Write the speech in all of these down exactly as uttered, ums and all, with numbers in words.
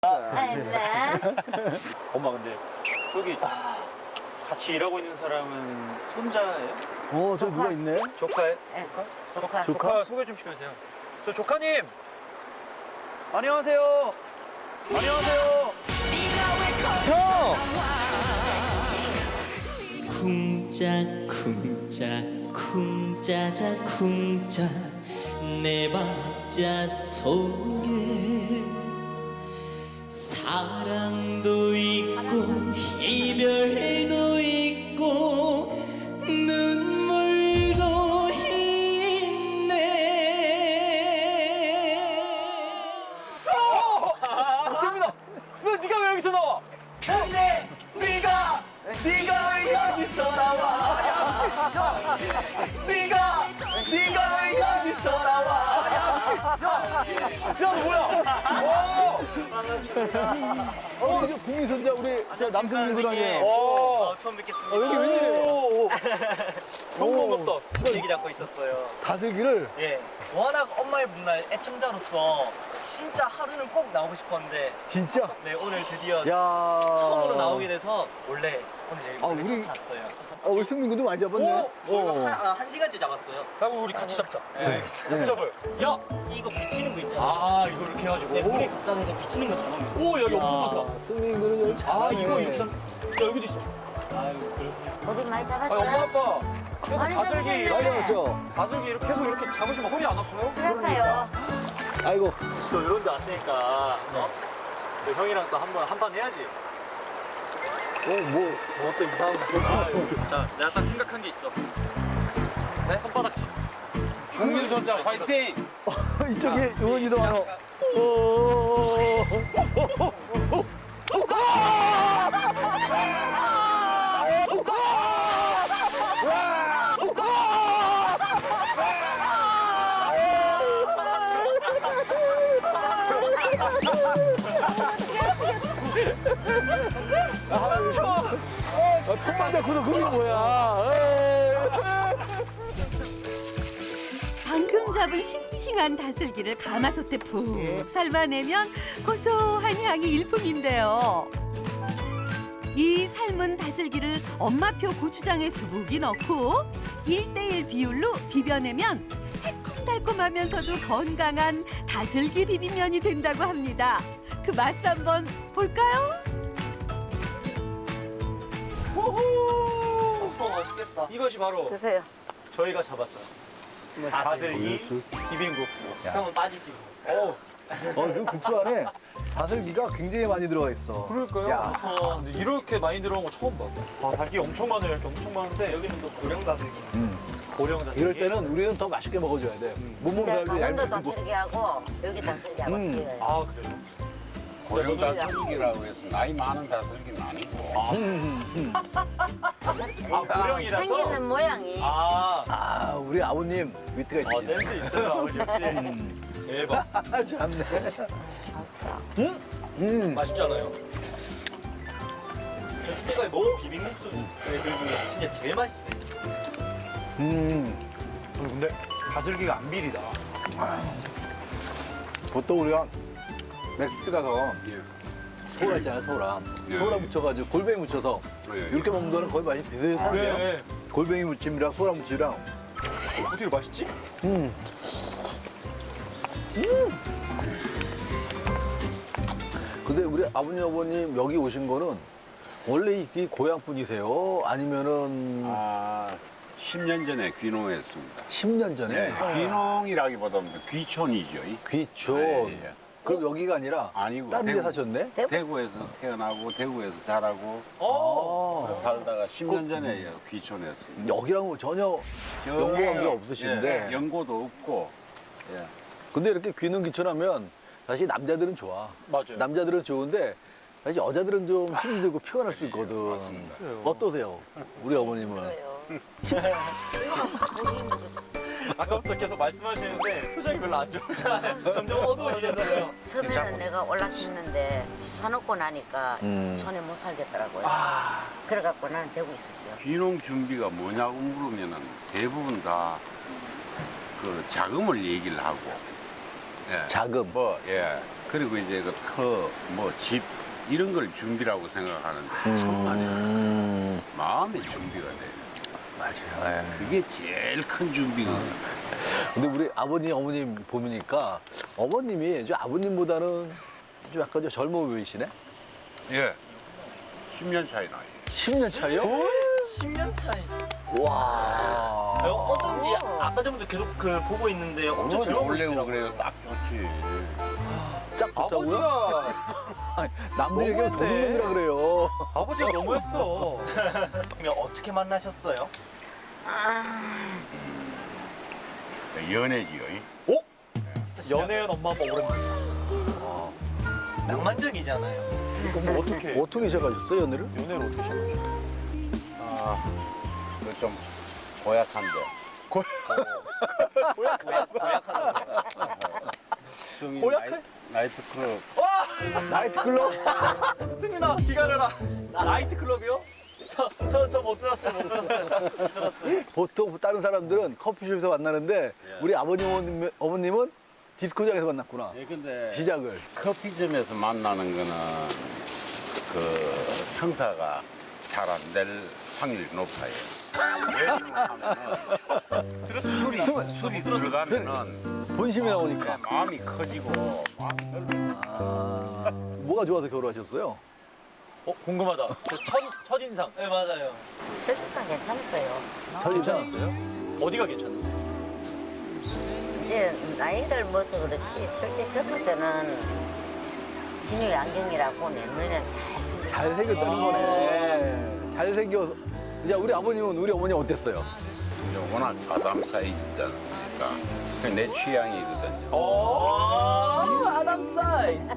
네. 엄마 근데 저기 같이 일하고 있는 사람은 손자예요? 어, 저 누가 있네? 조카예요? 네. 조카? 조카. 조카 소개 좀 시켜주세요. 저 조카님! 안녕하세요! 안녕하세요! 형! 쿵짝쿵짝 쿵짜자 쿵짜 내 박자 속에 사랑도 있고 이별도 있고 눈물도 있네. 승민아! 승민아 네가 왜 여기서 나와? 근데 네가 네가 왜 여기서 나와? 네가 네가 왜 여기서 나와? 야 뭐야? 어, 우리 저 국민 손자, 우리 저 남승민 군이에요. 오! 처음 뵙겠습니다. 어, 여기 웬일이에요? 너무 반갑다. 얘기 잡고 있었어요. 다슬기를 예. 워낙 엄마의 문화의 애청자로서 진짜 하루는 꼭 나오고 싶었는데 진짜. 네 오늘 드디어 야. 처음으로 나오게 돼서 원래 오늘 제일 아, 원래 우리- 쫓아왔어요. 어, 우리 승민 군도 많이 잡았네. 오, 저희가 어. 한, 아, 한 시간째 잡았어요. 그럼 우리 같이 잡자. 네. 같이 잡아요. 야! 이거 비치는 거 있잖아요. 아 이거 이렇게 해가지고. 네, 물이 갖다 대서 비치는 거 잡으면 오 여기 엄청 아, 많다. 승민 군은 여기 잘하네. 아 이거 이렇게. 한- 야 여기도 있어. 아유 그렇군요. 어디 많이 아 잡았어요? 엄마 아빠. 계속 많이 다슬기 잡으셨네. 많이 잡았죠? 다슬기 이렇게 계속 이렇게 잡으시면 허리 안 아파요? 그럴까요? 아이고. 또 이런 데 왔으니까 어? 또 형이랑 또 한 번 한 판 해야지. 어, 뭐. 저것도 이상한 거. 아, 자, 내가 딱 생각한 게 있어. 네? 손바닥치. 국민 선장 화이팅! 이쪽에 의원이도 많아. 오. 콧만 대고도 그게 뭐야. 방금 잡은 싱싱한 다슬기를 가마솥에 푹 삶아내면 고소한 향이 일품인데요. 이 삶은 다슬기를 엄마표 고추장에 수북이 넣고 일 대일 비율로 비벼내면 새콤달콤하면서도 건강한 다슬기 비빔면이 된다고 합니다. 그 맛 한번 볼까요? 호호! 맛있겠다. 이것이 바로 드세요. 저희가 잡았던 다슬기 비빔국수. 형은 빠지시고. 어, 어, 그 국수 안에 다슬기가 굉장히 많이 들어가 있어. 그럴까요? 야. 아, 근데 이렇게 많이 들어온 거 처음 봐. 아, 달기 엄청 많아요. 이렇게 엄청 많은데 여기는 또 고령 다슬기. 음. 고령 다슬기. 이럴 때는 우리는 더 맛있게 먹어줘야 돼. 못 먹는 근데 사람들이 강원도 얇게 굽고. 다슬기하고 여기 다슬기하고 음. 틀려요. 아, 그래요? 고령 다슬기라고 해서 나이 많은 다슬기는 아니고 아, 고령이라서? 생기는 모양이 아, 아, 우리 아버님 위트가 아 있지. 센스 있어요, 아버지 역시. 대박. 아, 참네. 음? 음. 맛있잖아요. 그때가 너무 비빔국수 그 중에 진짜 제일 맛있어요. 음. 근데 다슬기가 안 비리다. 보통 우리가 맥주 가서 소라 있잖아요, 소라. 예. 소라 묻혀가지고 골뱅이 묻혀서 예. 이렇게 먹는 거는 거의 맛이 비슷한데요. 네. 골뱅이 무침이랑 소라 무침이랑. 어떻게 맛있지? 음. 근데 우리 아버님, 아버님 여기 오신 거는 원래 이 고향 분이세요? 아니면은 아, 십 년 전에 귀농했습니다. 십 년 전에? 네, 귀농이라기보다는 귀촌이죠. 이. 귀촌. 예, 예. 그럼 여기가 아니라 아니고 다른 데 대구, 사셨네? 대구에서 태어나고 대구에서 자라고 어. 아, 살다가 십 년 전에 귀촌했습니다. 여기랑은 전혀 저- 연고 관계가 없으신데. 예, 연고도 없고 예. 근데 이렇게 귀농 귀촌하면 사실 남자들은 좋아. 맞아요. 남자들은 좋은데 사실 여자들은 좀 힘들고 피곤할 수 있거든. 맞습니다. 어떠세요? 우리 어머님은? 그래요. 아까부터 계속 말씀하시는데 표정이 별로 안 좋으시잖아요. 점점 어두워지셨어요. 처음에는 내가 올라갔는데 집 사놓고 나니까 음. 전에 못 살겠더라고요. 아, 그래갖고 나는 되고 있었죠. 귀농 준비가 뭐냐고 물으면은 대부분 다 그 자금을 얘기를 하고 예. 자금. 뭐, 예. 그리고 이제 그 터, 뭐 집 이런 걸 준비라고 생각하는데 정말 음, 마음의 준비가 돼. 맞아요. 예. 그게 제일 큰 준비거든. 근데 우리 아버님, 어머님 보니까 어머님이 좀 아버님보다는 좀 약간 좀 젊어 보이시네? 예. 십 년 차이 나요. 십 년 차이요? 십 년 차이. 와. 아, 어떤지 아까 전부터 계속 그 보고 있는데 엄청 젊어 놀래고 보이더라고요. 그래요. 딱 좋지. 짝 붙자고요? 아버지가 아니, 남들 얘기하면 너무했네. 도둑놈이라 그래요. 아버지가 너무했어. 그러면 어떻게 만나셨어요? 연애지요. 어? 연애한 엄마 아빠 오랜만에. 낭만적이잖아요. 그럼 뭐 어떻게? 어떻게 시작하셨어요, 연애를? 연애를 어떻게 시작하셨어요? 아, 그 좀 고약한데. 고약한 고약해? 나이트클럽. 나이트클럽? 승민아 기다려라. 나이트클럽이요? 저 저 못 들었어요. 못 들었어요. 못 들었어요. 보통 다른 사람들은 커피숍에서 만나는데 우리 아버님, 어머님, 어머님은 디스코장에서 만났구나. 예, 근데 시작을. 커피점에서 만나는 거는 그 성사가 잘 안 될 확률이 높아요. 왜냐면 술이 술이 들어가면은 본심이 나오니까. 마음이 커지고 마음이 넓어. 아, 뭐가 좋아서 결혼하셨어요? 어 궁금하다. 첫 첫인상. 네 맞아요. 실상 괜찮았어요. 괜찮았어요? 어디가 괜찮았어요? 이제 나이를 먹어서 그렇지 솔직히 젊을 때는 진유 안경이라고 내 눈에는 잘 잘생겼다는 거네. 잘생겨서. 이제 우리 아버님은 우리 어머니 어땠어요? 이제 워낙 아담 사이즈잖아. 그러니까 그게 내 취향이거든요. 오 아담 사이즈.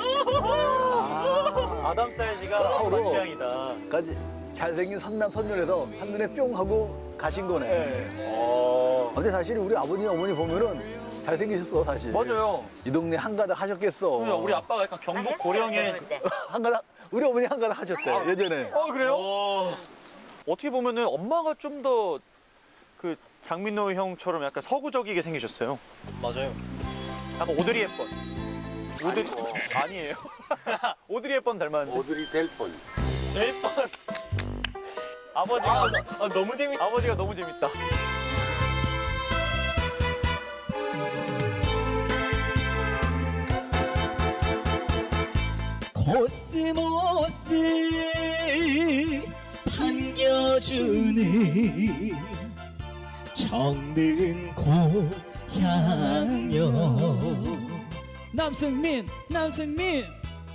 아담 사이즈가 서로. 엄마 취향이다. 까지 잘생긴 선남 선녀에서 한눈에 뿅 하고 가신 거네. 어 근데 사실 우리 아버님, 어머니 보면은 잘생기셨어, 사실. 맞아요. 이 동네 한가닥 하셨겠어. 우리 아빠가 약간 경북 고령의. 때. 한가닥, 우리 어머니 한가닥 하셨대, 예전에. 어 그래요? 어떻게 보면은 엄마가 좀 더 그 장민호 형처럼 약간 서구적이게 생기셨어요. 맞아요. 약간 오드리 헵번. 오드리 아니에요. 오드리 헵번 닮았는데. 오드리 될 뻔. 일 번. 아버지가 아, 너무 재밌. 아버지가 너무 재밌다. 코스모스 반겨주는 정든 고향여 남승민 남승민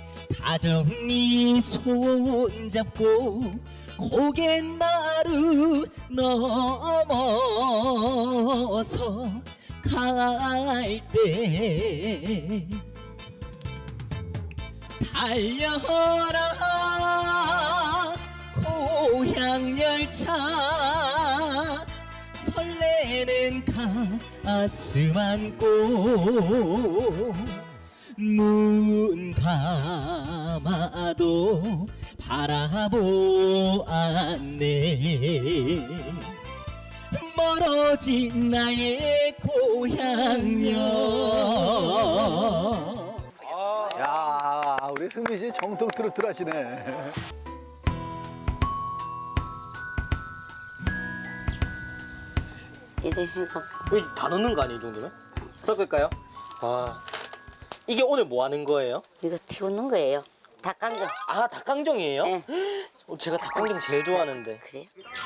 다정히 손잡고 고갯 마루 넘어서 갈 때 달려라 고향 열차 설레는 가슴 안고 눈 감아도 바라보았네 멀어진 나의 고향여 야, 우리 승민 씨 정통 트로트 하시네. 이래 해서 여기 다 넣는 거 아니에요, 이 정도면? 섞을까요? 아, 이게 오늘 뭐 하는 거예요? 이거 튀우는 거예요. 닭강정. 아, 닭강정이에요? 네. 어, 제가 닭강정 제일 좋아하는데. 그래?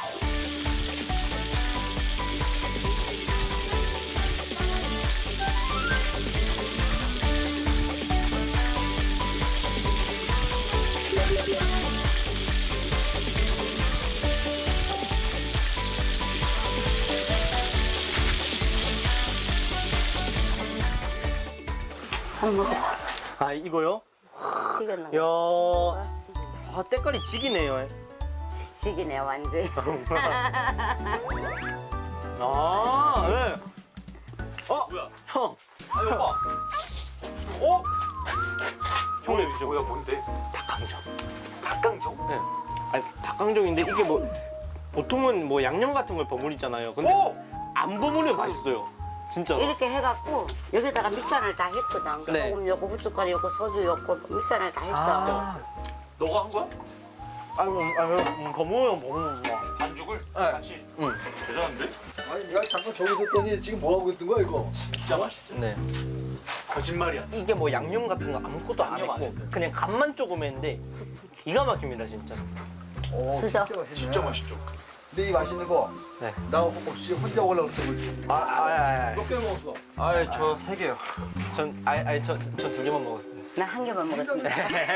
한번 먹어봐. 아, 이거요? 튀겼나? 이야, 아, 때깔이 지기네요. 지기네 완전. 아, 네. 어, 뭐야? 형. 아니 오빠. 어? 형님, 이제 뭐야 뭔데? 닭강정. 닭강정? 네. 아니, 닭강정인데 이게 뭐 보통은 뭐 양념 같은 걸 버무리잖아요. 근데 오! 안 버무리면 맛있어요. 진짜. 이렇게 해갖고 여기다가 밑간을 다 했거든. 네. 소금 넣고 후춧가루 넣고 소주 넣고 밑간을 다 했어. 아. 너가 한 거야? 아유, 아유, 음, 거무형 먹는 거. 반죽을 네. 같이. 응. 대단한데? 아니 내가 잠깐 저기 있었더니 지금 뭐 하고 있는 거야 이거? 진짜 맛있어. 네. 거짓말이야. 이게 뭐 양념 같은 거 아무것도 안 양념 안 했고 했어요. 그냥 간만 조금 했는데 기가 막힙니다 진짜. 오, 진짜? 맛있네. 진짜 맛있죠. 근데 이 맛있는 거, 네. 나 혹시 혼자 먹으려고 그랬어. 아, 아, 아, 아. 몇 개 먹었어? 아, 저 세 개요. 전, 아, 아니, 저, 저 두 개만 먹었어요. 나 한 개만 먹었습니다.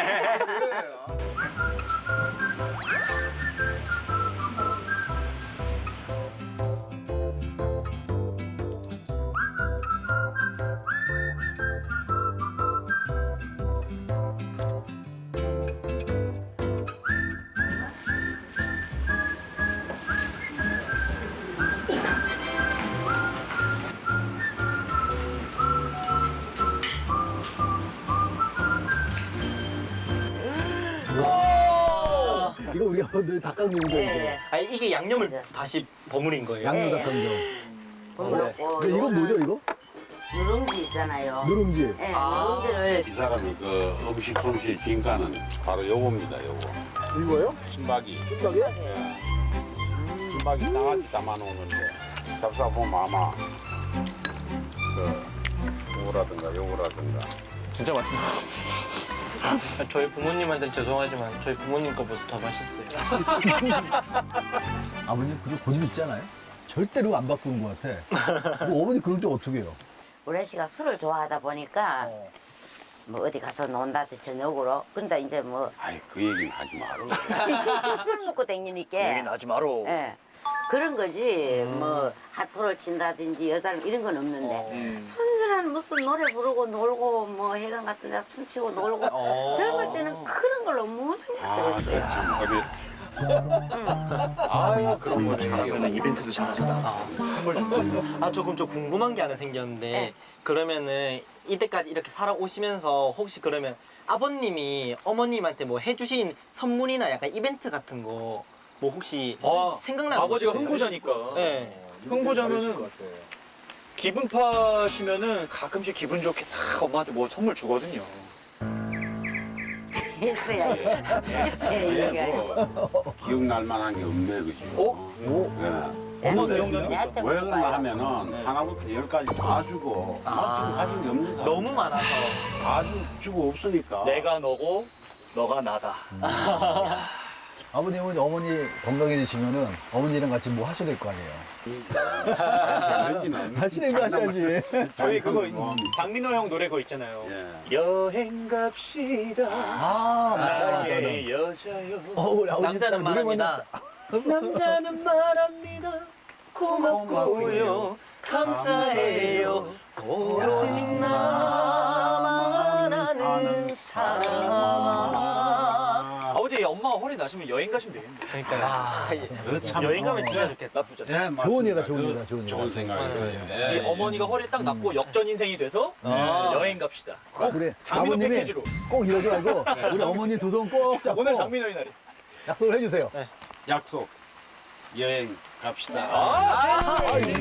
이거 우리가 늘 닭강정이죠 이거. 네. 아니, 이게 양념을 맞아. 다시 버무린 거예요. 양념 네. 닭강정. 그렇고 근데 이건 뭐죠 이거? 누룽지 있잖아요. 누룽지. 네, 아. 누룽지를 이 사람이 그 음식 솜씨의 진가는 바로 요겁니다, 요거. 이거요? 순박이. 순박이? 순박이 땅아찌 담아놓은 건데, 잡숴보면 아마, 그, 요거라든가, 요거라든가. 진짜 맛있네요. 저희 부모님한테 죄송하지만 저희 부모님 거보다 더 맛있어요. 아버님 그리고 고집 있잖아요. 절대로 안 바꾸는 것 같아. 뭐 어머니 그럴 때 어떻게 해요? 우리 씨가 술을 좋아하다 보니까 뭐 어디 가서 논다든지 저녁으로 근데 이제 뭐 술 아이, 그 얘기는 하지 마라. 먹고 댕기니까 얘기는 하지 마라. 예. 그런 거지 뭐 핫도를 친다든지 여자는 이런 건 없는데 순진한 무슨 노래 부르고 놀고 뭐 해관 같은 데 춤추고 놀고 젊을 때는 그런 걸 너무 아, 생각했어요. 참, 어디, 아유, 그런 거 잘하면 이벤트도 잘하잖아. 아, 저 그럼 저 궁금한 게 하나 생겼는데, 네. 그러면은 이때까지 이렇게 살아오시면서 혹시 그러면 아버님이 어머님한테 뭐 해주신 선물이나 약간 이벤트 같은 거 뭐 혹시 아, 생각나는 아버지가 거 있으세요? 흥부자니까. 네. 흥부자면은 기분 파시면은 가끔씩 기분 좋게 딱 엄마한테 뭐 선물 주거든요. 했어요. 했어요. 얘기가. 뭐, 기억날 만한 게 없네, 그죠? 어? 네. 엄마 기억나는 거 있어? 내한테 왜 그러나 물어봐요. 하면은 하나부터 열까지 다 주고 맡기고 가진 게 없는 사람 너무 많아서. 다 주고 없으니까 내가 너고 너가 나다. 아버님은 어머니 건강해지시면은 어머니랑 같이 뭐 하셔야 될 거 아니에요? 하시는 거 하셔야지. 저희 그거 뭐 장민호 형 노래 그거 있잖아요. 예. 여행 갑시다. 아, 맞다, 맞다. 나의 여자여. 어, 우리 아버님 남자는 노래 말합니다. 남자는 말합니다. 고맙고요. 감사해요. 오로지 나만 아는 사람. 아버지 엄마가 허리 나시면 여행 가시면 되겠네. 그러니까 아, 참 여행 가면 진짜 좋겠다. 나쁘지 않아. 예, 좋은 맞습니다. 예다, 좋은 그 예다, 좋은 예다. 좋은 생각이에요. 이 어머니가 허리 딱 낫고 역전 인생이 돼서 여행 갑시다. 꼭 그래. 장민호 아버님이 패키지로. 꼭 이러지 말고 우리 어머니 두 손 꼭 잡고 오늘 장민호의 날이. 약속을 해주세요. 약속. 여행 갑시다. 아,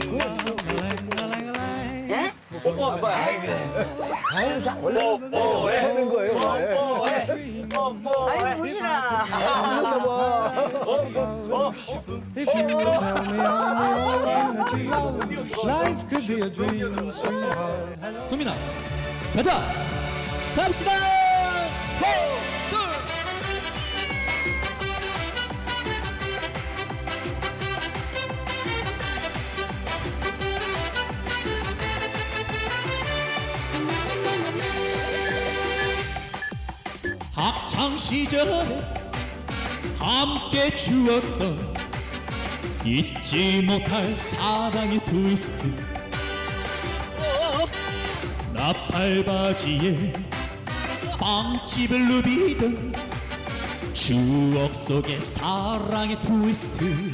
예? 뽀뽀하면 봐. 항상 원래 하는 거예요. 원래. 아이고 무시라. 아, 잡아. If you will tell me I'm the only energy, life could be a dream, sweetheart. 소민아 가자 갑시다 하나 둘 학창 시절에 함께 추었던 잊지 못할 사랑의 트위스트 나팔바지에 빵집을 누비던 추억 속의 사랑의 트위스트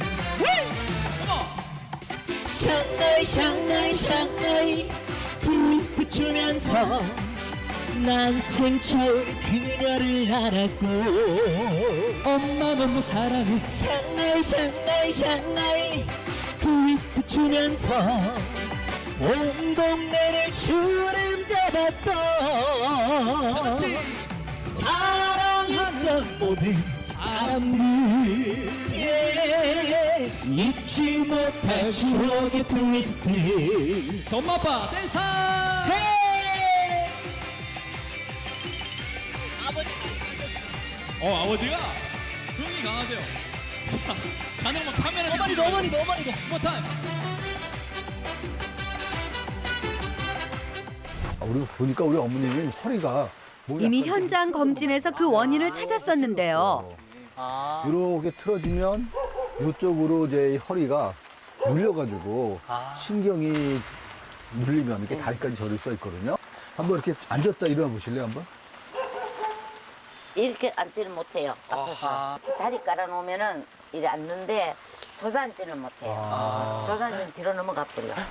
샹하이 샹하이 샹하이 트위스트 추면서 난 생처음 그녀를 알았고 엄마 너무 사랑해 샹하이 샹하이 샹하이 트위스트 추면서 온 동네를 주름 잡았던 사랑했던 모든 사람들 예. 잊지 못할 추억의 트위스트 엄마빠 댄서. 헤이! 어 아버지가 흥이 강하세요. 자 가는 거 카메라. 어머니 어머니 어머니 못한. 아, 우리 보니까 우리 어머님이 허리가 몸이 이미 약간 현장 검진에서 그 원인을 찾았었는데요. 아. 이렇게 틀어지면 이쪽으로 이제 이 허리가 눌려가지고 아. 신경이 눌리면 이렇게 다리까지 저릴 수 있거든요. 한번 이렇게 앉았다 일어나 보실래요, 한번? 이렇게 앉지를 못해요. 앞에서. 아하. 이렇게 자리 깔아놓으면은 이래 앉는데 조산지는 못해요. 조산지는 뒤로 넘어가 버려요.